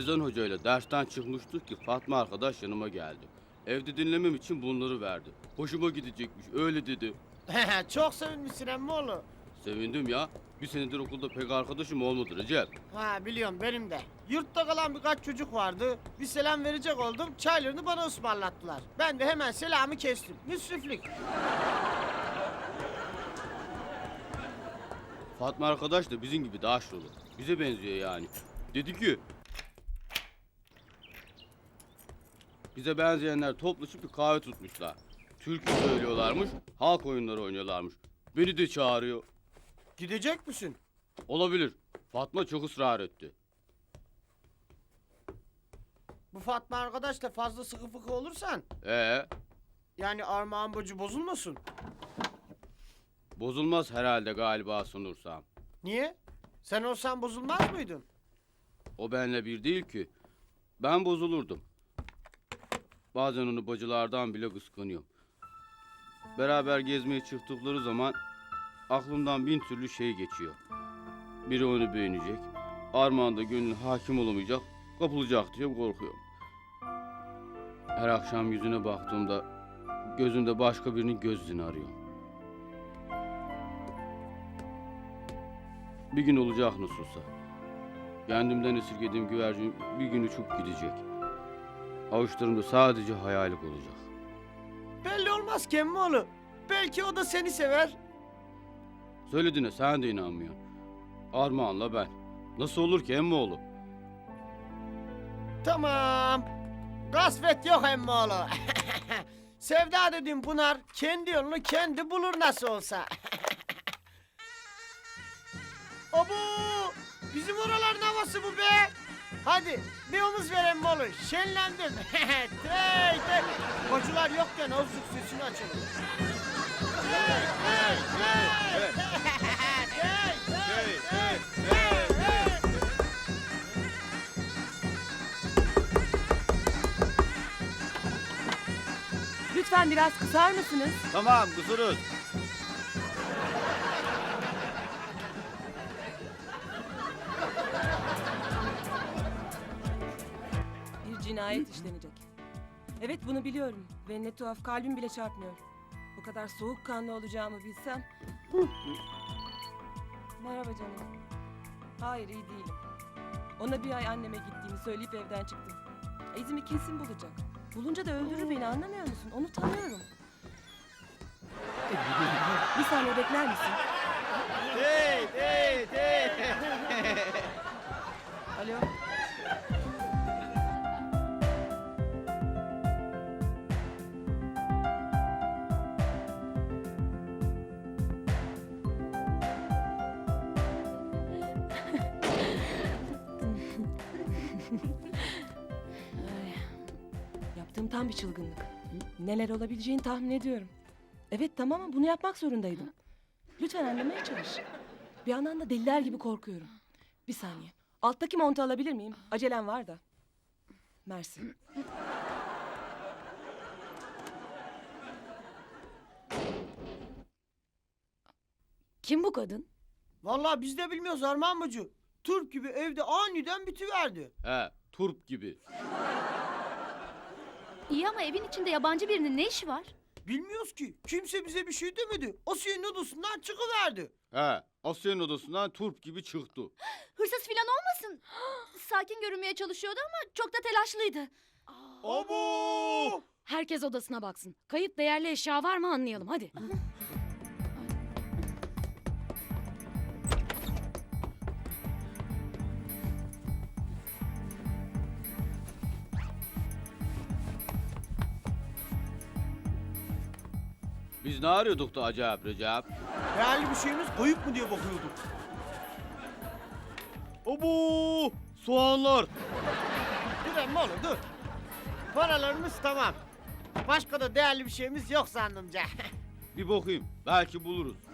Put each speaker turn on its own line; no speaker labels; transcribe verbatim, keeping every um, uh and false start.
Rezan Hoca ile dersten çıkmıştık ki Fatma arkadaş yanıma geldi. Evde dinlemem için bunları verdi. Hoşuma gidecekmiş öyle dedi.
Çok sevinmişsin emmoğlu.
Sevindim ya. Bir senedir okulda pek arkadaşım olmadı Recep.
Ha biliyorum benim de. Yurtta kalan birkaç çocuk vardı. Bir selam verecek oldum. Çaylarını bana ısmarlattılar. Ben de hemen selamı kestim. Müsriflik.
Fatma arkadaş da bizim gibi daha aşırı. Bize benziyor yani. Dedi ki... Bize benzeyenler toplaşıp bir kahve tutmuşlar. Türkü söylüyorlarmış, halk oyunları oynuyorlarmış. Beni de çağırıyor.
Gidecek misin?
Olabilir. Fatma çok ısrar etti.
Bu Fatma arkadaş da fazla sıkı fıkı olursan.
Ee,
Yani Armağan Bacı bozulmasın.
bozulmaz herhalde galiba sunursam.
Niye? Sen olsan bozulmaz mıydın?
O benle bir değil ki. Ben bozulurdum. Bazen onu bacılardan bile kıskanıyorum. Beraber gezmeye çıktıkları zaman aklımdan bin türlü şey geçiyor. Biri onu beğenecek, Armağan da gönlüne hakim olamayacak, kapılacak diye korkuyorum. Her akşam yüzüne baktığımda gözünde başka birinin gözünü arıyorum. Bir gün olacak nasılsa. Kendimden esirgediğim güvercin bir gün uçup gidecek. Avuçlarımda sadece hayalim olacak.
Belli olmaz ki emmoğlu. Belki o da seni sever.
Söylediğine sen de inanmıyorsun. Armağan'la ben. Nasıl olur ki emmoğlu?
Tamam. Kasvet yok emmoğlu. Sevda dediğim Pınar kendi yolunu kendi bulur nasıl olsa. Abu! Bizim oraların havası bu be. Hadi bir omuz ver emmoğlu. Şenlendim. Tey tey. Kocular yokken azıcık sesini açalım. Tey tey tey. Tey tey tey.
Lütfen biraz kısar mısınız?
Tamam kusuruz.
Bir cinayet işlenecek. Evet bunu biliyorum ve ne tuhaf kalbim bile çarpmıyor. Bu kadar soğukkanlı olacağımı bilsem. Merhaba canım. Hayır iyi değilim. Ona bir ay anneme gittiğimi söyleyip evden çıktım. İzimi kesin bulacak. Bulunca da öldürür beni anlamıyor musun? Onu tanıyorum. Bir saniye bekler misin?
Tey tey tey.
Alo. Ay, yaptığım tam bir çılgınlık. Neler olabileceğini tahmin ediyorum. Evet tamam ama bunu yapmak zorundaydım. Lütfen anlamaya çalış. Bir yandan da deliler gibi korkuyorum. Bir saniye. Alttaki montu alabilir miyim? Acelem var da. Mersi.
Kim bu kadın?
Vallahi biz de bilmiyoruz Armağan Bacı. Turp gibi evde aniden bitiverdi.
He, turp gibi.
İyi ama evin içinde yabancı birinin ne işi var?
Bilmiyoruz ki. Kimse bize bir şey demedi. Asiye'nin odasından çıkıverdi.
He, Asya'nın odasından turp gibi çıktı.
Hırsız filan olmasın? Sakin görünmeye çalışıyordu ama çok da telaşlıydı.
Abo!
Herkes odasına baksın. Kayıp değerli eşya var mı anlayalım hadi.
Biz ne arıyorduk da acayip Recep?
Değerli bir şeyimiz kayıp mı diye bakıyorduk.
Abo! Soğanlar!
Dur emmi oğlum dur. Paralarımız tamam. Başka da değerli bir şeyimiz yok zannımca.
Bir bakayım, belki buluruz.